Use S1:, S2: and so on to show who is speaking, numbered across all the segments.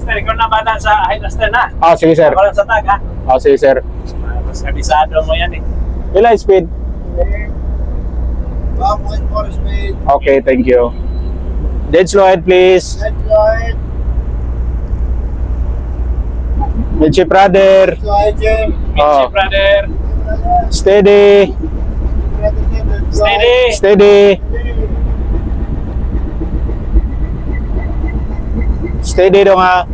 S1: Master, ikaw na bala sa Highmaster na.
S2: Sige sir.
S1: Ako lang sa tag, ha?
S2: Sige sir.
S1: Mas kabisado mo yan, eh.
S2: Ilan speed?
S3: 1.4 speed.
S2: Okay, thank you. Dead slow ahead please.
S3: Let's go ahead.
S2: Midship rudder.
S3: Let's go ahead, Jim.
S1: Midship, brother.
S2: Steady.
S1: Steady.
S2: Steady. Steady dong ha.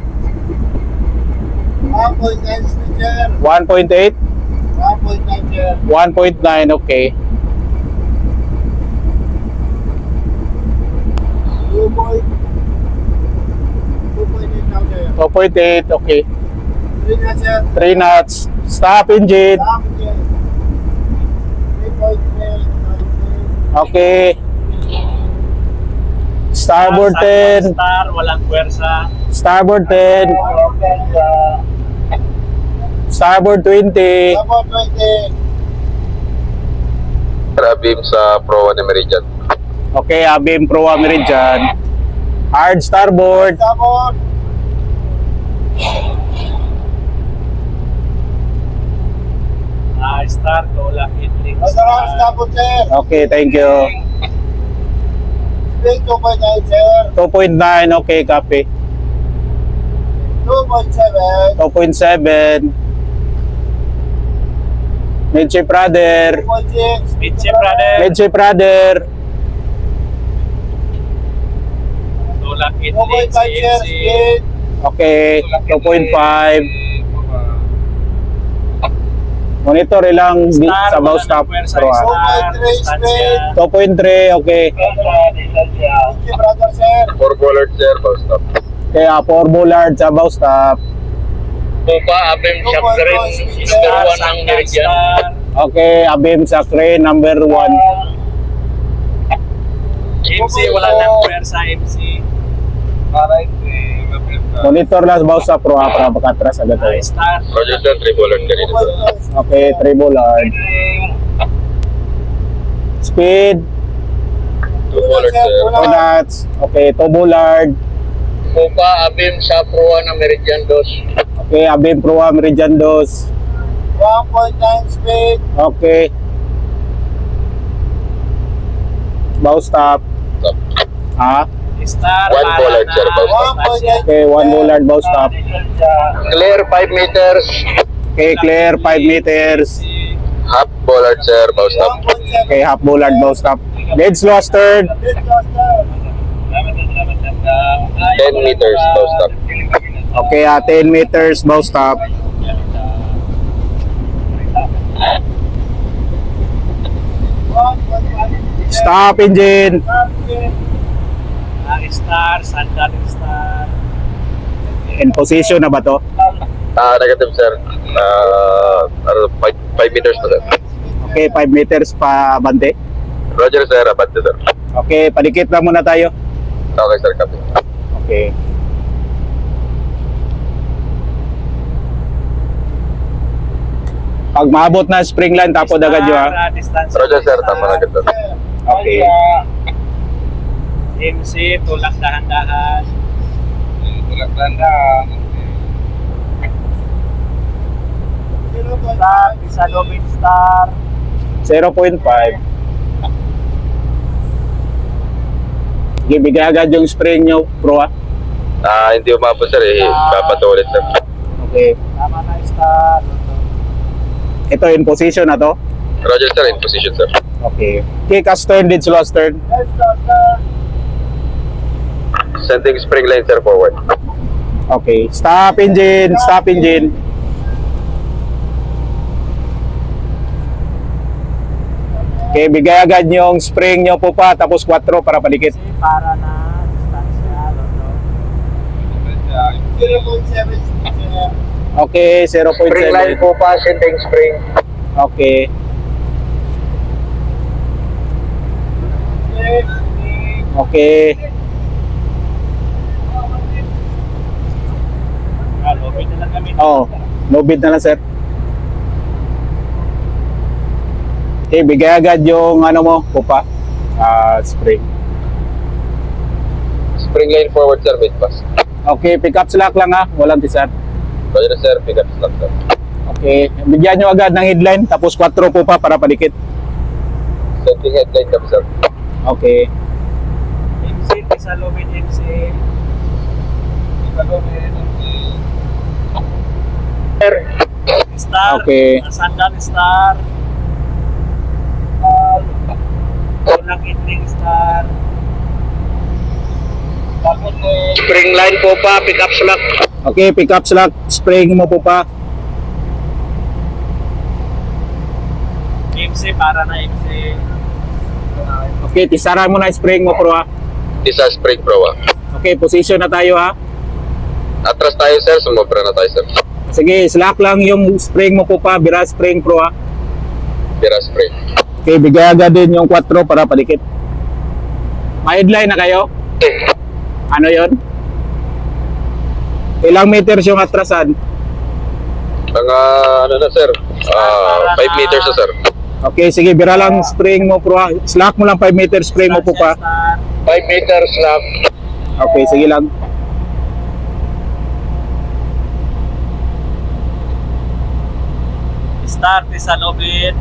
S3: 1.9 speed, sir.
S2: 1.8.
S3: 1.9, sir.
S2: 1.9, okay.
S3: 2.8 now, sir.
S2: 2.8, okay.
S3: 3 na, sir.
S2: 3 knots. Stop engine.
S3: Stop, sir. 3.8.
S2: Okay. Starboard 10.
S1: Star, walang puwersa.
S2: Starboard 10. Starboard 20.
S3: About 20.
S4: Abim sa Pro 1 Meridian.
S2: Okay, Abim Pro Meridian. Hard starboard.
S3: Starboard.
S1: Star, tulak, itling,
S3: Masarap starboard, sir.
S2: Okay, thank you.
S3: Speed 2.9, sir.
S2: 2.9, okay, copy.
S3: 2.7.
S2: 2.7. Midship rudder.
S3: 2.6.
S1: Midship, brother.
S2: Midship rudder.
S1: Tulak, itling,
S3: 2.5, sir.
S1: CNC.
S3: Speed.
S2: Okay, 2.5. Monitor ilang
S1: Star,
S2: sa bow
S1: walang
S2: stop.
S1: puwersa,
S2: Pro, ah.
S1: star,
S3: 2.3
S1: distansya.
S2: 2.3, okay.
S3: Midship brother, sir.
S4: 4 bollard sir, bow stop.
S2: Kaya 4 bullard sa bow stop.
S4: Pupa, Abim,
S3: Shop Green,
S1: Star, Sangkan, Star.
S2: Okay, Abim sa crane number 1.
S1: MC, wala nang puwersa, MC.
S2: Monitor lang sa bow stop pro para makatras agad tayo.
S1: Star.
S4: Roger sir, 3 bollard kanina sir.
S2: Okay, 3 bullard. Speed,
S4: 2 bollard sir.
S2: 2 knots. Okay, 2 bullard.
S4: Pupa, Abim sa Pro 1 Meridian 2.
S2: Okay, Abim Pro Meridian 2.
S3: 1.9 speed.
S2: Okay. Bow stop.
S4: Stop.
S2: Ha?
S1: Star,
S4: 1
S1: para
S4: bollard,
S1: na
S4: sir, bow stop.
S1: distansya.
S2: Okay, 1 bullard bow stop.
S4: Clear 5 meters.
S2: Okay, clear 5 meters.
S4: Half bollard sir, bow stop.
S3: 1.7.
S2: Okay, half bullard bow stop. Dead slow astern.
S3: Let's go, sir.
S4: 10 meters, bow stop.
S2: Okay, 10 meters bow stop. Stop engine.
S1: Star, Sandal, Star.
S2: In position na ba to?
S4: Negative sir. 5 meters pa sir.
S2: Okay, 5 meters pa bante.
S4: Roger sir, abante sir.
S2: Okay, padikit lang muna tayo.
S4: Okay sir, copy.
S2: Okay. Pag maabot na spring line, tapos agad yun ha.
S1: Distansya.
S4: Roger sir, tama na agad sir.
S2: Okay.
S1: MC, tulak dahan-dahan.
S4: Tulak dahan.
S1: Star, isa Domit Star.
S2: 0.5. Okay, bigay agad yung spring nyo, pro ha.
S4: Hindi umabot sir, papatulit sir.
S2: Okay.
S1: Tama na, Star.
S2: Ito in position na to.
S4: Roger sir, in position sir.
S2: Okay. Kick astern, dead slow astern.
S3: Let's go, sir.
S4: Sending spring line sir forward.
S2: Okay. Stop engine, stop engine. Okay, bigay agad yung spring nyo po pa, tapos 4 para palikit.
S1: MC, para na distansya. Lolo.
S3: 0.7 speed, sir.
S2: Okay,
S4: Spring line
S2: 0.7.
S4: po pa, sending spring.
S2: Okay. Okay.
S1: Lobby na lang kami.
S2: Oh, no bid na lang, sir. Okay, bigay agad yung ano mo, pupa. Spring.
S4: Spring line forward sir, mid pass.
S2: Okay, pick up slack lang ha. Walang tisar.
S4: Roger sir, pick up slack sir.
S2: Okay, bigyan nyo agad ng headline tapos 4 po pa para padikit.
S4: Setting headlight kami sir.
S2: Okay.
S1: MC, Tisalobit, MC. Tisalobit, MC. Star.
S2: Okay.
S1: Sandal Star. Tulang Itling Star. Tapos
S4: Spring line po pa, pick up slack.
S2: Okay, pick up slack. Spring mo po pa.
S1: MC para na MC.
S2: Okay, tisaran mo na spring mo pro ha.
S4: Isa spring pro ah.
S2: Okay, position na tayo ha.
S4: Atras tayo sir, sumobra na tayo sir.
S2: Sige, slack lang yung spring mo po pa. Bira spring pro ha.
S4: Pira spring.
S2: Okay, bigay agad din yung 4 para padikit. May headline na kayo? Ano yon? Ilang meters yung atrasan?
S4: Mga ano na sir, 5 meters na sir.
S2: Okay, sige, bira lang spring mo pro ha. Slack mo lang 5 meters spring mo po pa.
S1: Star.
S4: 5 meters slack.
S2: Okay, sige lang.
S1: Star, Tisalobit.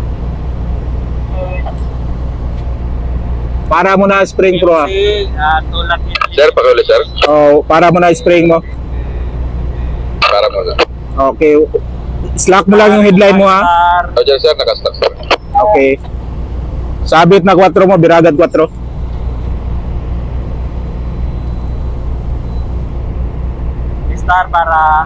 S2: Para mo na spring pro ha.
S1: MC, Tulang Itling.
S4: Sir, pakiulit sir.
S2: Oh, para mo na spring mo.
S4: Para muna.
S2: Okay. Slack mo lang yung headline mo ha.
S1: Star.
S4: Roger sir, nakaslack sir.
S2: Okay. Sabit na 4 mo, biragad 4.
S1: Star para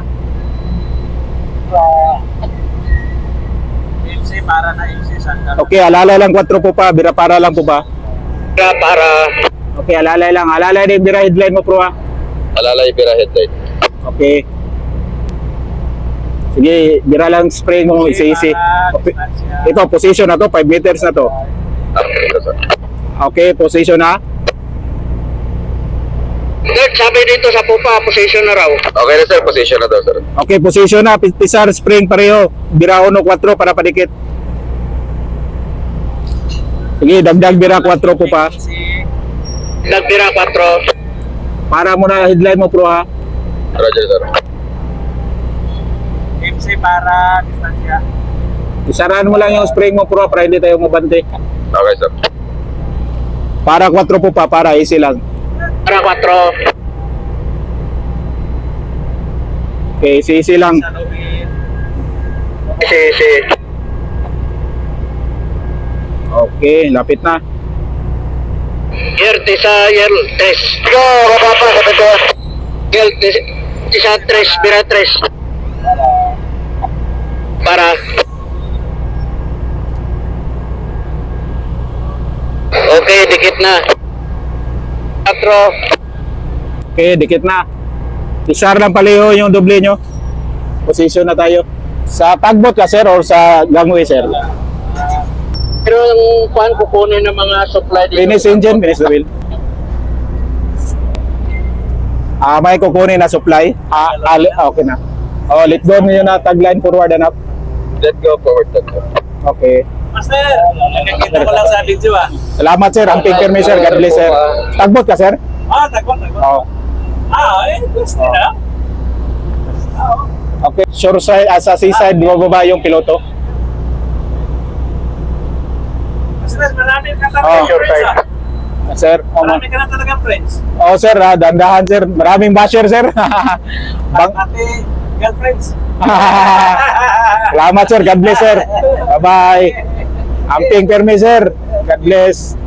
S1: MC para na MC Sandal.
S2: Okay, alalay lang 4 po pa, bira para lang po ba?
S4: Para
S2: Okay, alalay lang. Alalay din bira headline mo pro ha.
S4: alalay pira headlight.
S2: Okay. Sige, bira lang spray mo isi-isi. Okay. Ito, position na to, 5 meters na to.
S4: Okay, sir.
S2: Okay, position na.
S4: Sir, sabi dito sa pupa, position na raw. Okay na sir, position na daw sir.
S2: Okay, position na. Pisar, spring pareho. Bira 1, 4 para padikit. Sige, dagdag bira 4 po pa.
S4: Nagpira 4.
S2: Para mo na headline mo pro ha.
S4: Roger sir.
S1: MC para distansya.
S2: Isarahan mo lang yung spring mo pro para hindi tayo mabante.
S4: Okay sir.
S2: Para 4 po pa, para easy lang.
S4: Para 4.
S2: Okay, easy lang.
S1: Tisalobit.
S4: Si.
S2: Okay, lapit na.
S4: Year test. Go, baba sa ito. Year tisa 3, pira 3. Para. Okay, dikit na. 4.
S2: Okay, dikit na. Isar lang paliho yung doble nyo. Position na tayo. Sa tagbot ka sir or sa gangway sir?
S4: Pero ang kuhan kukunin ng mga supply dito.
S2: Finish engine, finish the wheel. May kukunin na supply. Okay na. Oh, let go nyo na tagline forward and up.
S4: Let's go forward.
S2: Okay.
S1: Master, nakikita ko lang sa video ah.
S2: Salamat sir. Ang pink permit sir. God bless sir. Tagbot ka sir?
S1: Tagwan.
S2: Oo.
S1: Gusto na.
S2: Okay. Shore side, sa seaside, bumababa yung piloto.
S1: Master, marami ka
S2: Oh,
S1: talaga friends ah.
S2: Sir,
S1: Marami ka na talaga friends.
S2: oh sir, dandahan sir. Maraming basher sir.
S1: Ate, girlfriends.
S2: Salamat sir. God bless sir. Bye-bye. Amping permi sir. God bless.